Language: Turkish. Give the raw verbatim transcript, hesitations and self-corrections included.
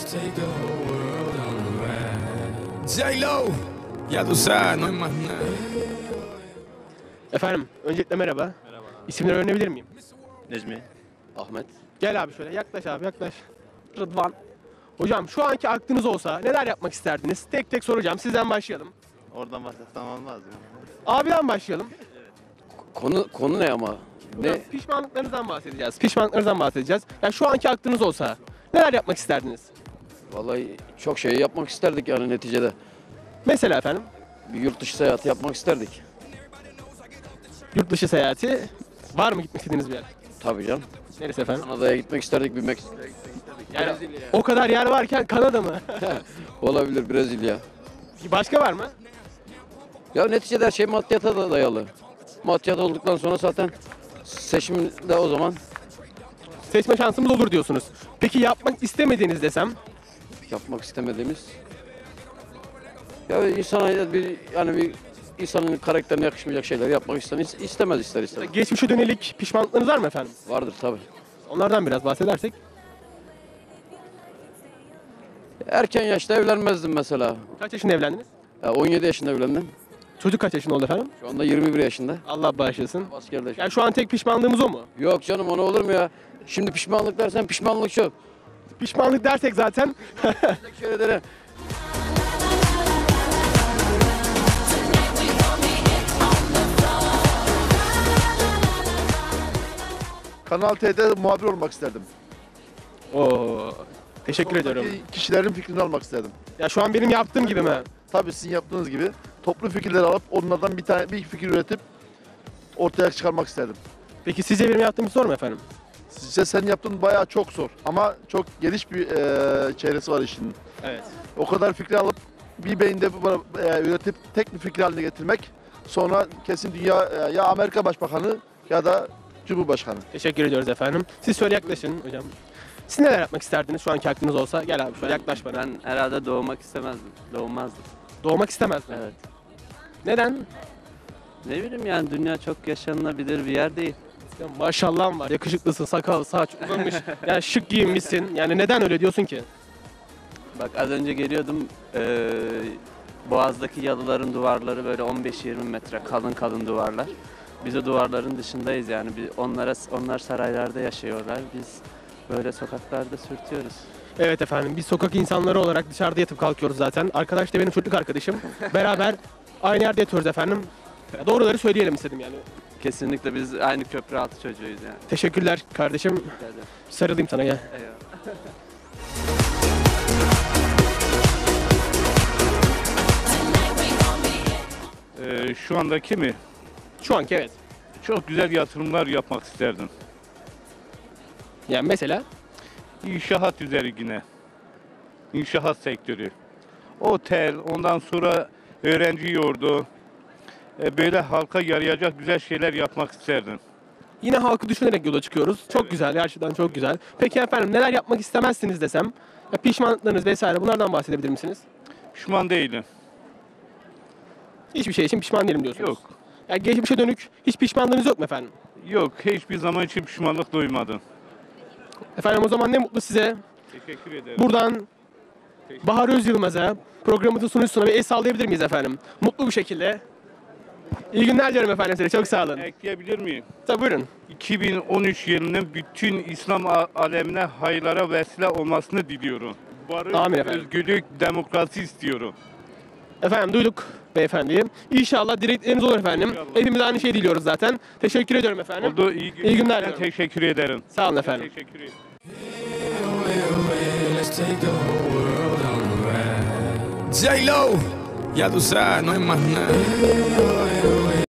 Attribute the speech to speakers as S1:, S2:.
S1: take the whole world on a ride. J-Lo, ya tú sabes, no hay más nada.
S2: Efendim, öncelikle merhaba.
S3: Merhaba.
S2: İsimleri öğrenebilir miyim?
S3: Necmi. Ahmet.
S2: Gel abi şöyle, yaklaş abi, yaklaş. Rıdvan. Hocam şu anki aklınız olsa neler yapmak isterdiniz? Tek tek soracağım, sizden başlayalım.
S3: Oradan başlasam olmaz mı?
S2: Abiden başlayalım.
S4: Konu konu ne ama?
S2: Hocam,
S4: Ne?
S2: pişmanlıklarınızdan bahsedeceğiz. Pişmanlıklarınızdan bahsedeceğiz. Ya şu anki aklınız olsa neler yapmak isterdiniz?
S4: Vallahi çok şey yapmak isterdik yani neticede.
S2: Mesela efendim,
S4: Bir yurt dışı seyahati yapmak isterdik.
S2: yurt dışı seyahati var mı gitmek istediğiniz bir yer?
S4: Tabii canım.
S2: Neresi efendim?
S4: Kanada'ya gitmek isterdik, bir Meksika'ya gitmek isterdik.
S2: Yani
S4: Brezilya.
S2: o kadar yer varken Kanada mı?
S4: Olabilir, Brezilya.
S2: Başka var mı?
S4: Ya neticede her şey maddiyata da dayalı. Maddiyat olduktan sonra zaten seçimde o zaman
S2: Seçme şansımız olur diyorsunuz. Peki yapmak istemediğiniz desem?
S4: yapmak istemediğimiz. Ya insana bir yani bir insanın karakterine yakışmayacak şeyler yapmak ister, istemez ister istemez.
S2: Geçmişe dönelik pişmanlıklarınız var mı efendim?
S4: Vardır tabii.
S2: Onlardan biraz bahsedersek.
S4: Erken yaşta evlenmezdim mesela.
S2: Kaç yaşında evlendiniz?
S4: Ya on yedi yaşında evlendim.
S2: Çocuk kaç yaşında oldu efendim?
S4: Şu anda yirmi bir yaşında.
S2: Allah bağışlasın.
S4: Askerde.
S2: Yani şu an tek pişmanlığımız o mu?
S4: Yok canım, ona olur mu ya? Şimdi pişmanlık dersen pişmanlık çok.
S2: Pişmanlık dersek zaten
S4: Teşekkür ederim.
S5: Kanal T'de muhabir olmak isterdim.
S2: Oo, teşekkür ediyorum.
S5: Oradaki kişilerin fikrini almak isterdim.
S2: Ya şu an benim yaptığım gibi mi?
S5: Tabii sizin yaptığınız gibi toplu fikirleri alıp onlardan bir tane bir fikir üretip ortaya çıkarmak isterdim.
S2: Peki sizce benim yaptığım zor mu efendim?
S5: Sizce sen yaptığın bayağı çok zor ama çok geniş bir eee çevresi var işin.
S2: Evet.
S5: O kadar fikri alıp bir beyinde bu- eee, üretip tek bir fikir haline getirmek, sonra kesin dünya eee, ya Amerika Başbakanı ya da Cumhurbaşkanı.
S2: Teşekkür ediyoruz efendim. Siz şöyle yaklaşın hocam. Siz neler yapmak isterdiniz şu anki aklınız olsa? Gel abi şöyle yaklaş bana.
S6: Ben herhalde doğmak istemezdim. Doğmazdım.
S2: Doğmak istemezdim.
S6: Evet.
S2: Neden?
S6: Ne bileyim yani dünya çok yaşanılabilir bir yer değil.
S2: Ya maşallahın var, yakışıklısın, sakal, saç uzamış, yani şık giyinmişsin. Yani neden öyle diyorsun ki?
S6: Bak az önce geliyordum. eee, Boğaz'daki yalıların duvarları böyle on beş yirmi metre kalın kalın duvarlar. Biz o duvarların dışındayız yani. Biz onlara onlar saraylarda yaşıyorlar. Biz böyle sokaklarda sürtüyoruz.
S2: Evet efendim, biz sokak insanları olarak dışarıda yatıp kalkıyoruz zaten. Arkadaş da benim çocukluk arkadaşım. Beraber aynı yerde yatıyoruz efendim. Ya doğruları söyleyelim istedim yani.
S6: Kesinlikle biz aynı köprü altı çocuğuyuz yani.
S2: Teşekkürler kardeşim.
S6: Rica ederim.
S2: Sarılayım sana gel.
S6: Eyvallah.
S7: Ee, şu andaki mi?
S2: Şu anki evet.
S7: Çok güzel yatırımlar yapmak isterdim.
S2: Yani mesela
S7: İnşaat üzerine. İnşaat sektörü. Otel, ondan sonra öğrenci yurdu. Ee, böyle halka yarayacak güzel şeyler yapmak isterdim.
S2: yine halkı düşünerek yola çıkıyoruz. Çok güzel, gerçekten çok güzel. Peki efendim neler yapmak istemezsiniz desem? Ya pişmanlıklarınız vesaire bunlardan bahsedebilir misiniz?
S7: Pişman değilim.
S2: Hiçbir şey için pişman değilim diyorsunuz.
S7: Yok.
S2: Ya geçmişe dönük hiç pişmanlığınız yok mu efendim?
S7: Yok, hiçbir zaman için pişmanlık duymadım.
S2: Efendim o zaman ne mutlu size.
S7: Teşekkür ederim.
S2: Buradan Bahar Özyılmaz'a, programımızın sunucusuna bir el sallayabilir miyiz efendim? Mutlu bir şekilde. İyi günler dilerim efendim size. Çok sağ olun.
S7: Ekleyebilir miyim?
S2: Tabii buyurun.
S7: iki bin on üç yılının bütün İslam a- alemine hayırlara vesile olmasını diliyorum. Barış,
S2: Amin efendim.
S7: özgürlük, demokrasi istiyorum.
S2: Efendim duyduk beyefendiyi. İnşallah dilekleriniz olur efendim.
S7: İnşallah.
S2: Hepimiz aynı şeyi diliyoruz zaten. Teşekkür ediyorum efendim.
S7: Oldu, iyi,
S2: İyi günler
S7: Ben
S2: diliyorum.
S7: teşekkür ederim.
S2: Sağ olun efendim.
S7: Teşekkür ederim.
S1: Let's take the whole world on a ride. J-Lo, ya tú sabes, no hay más nada.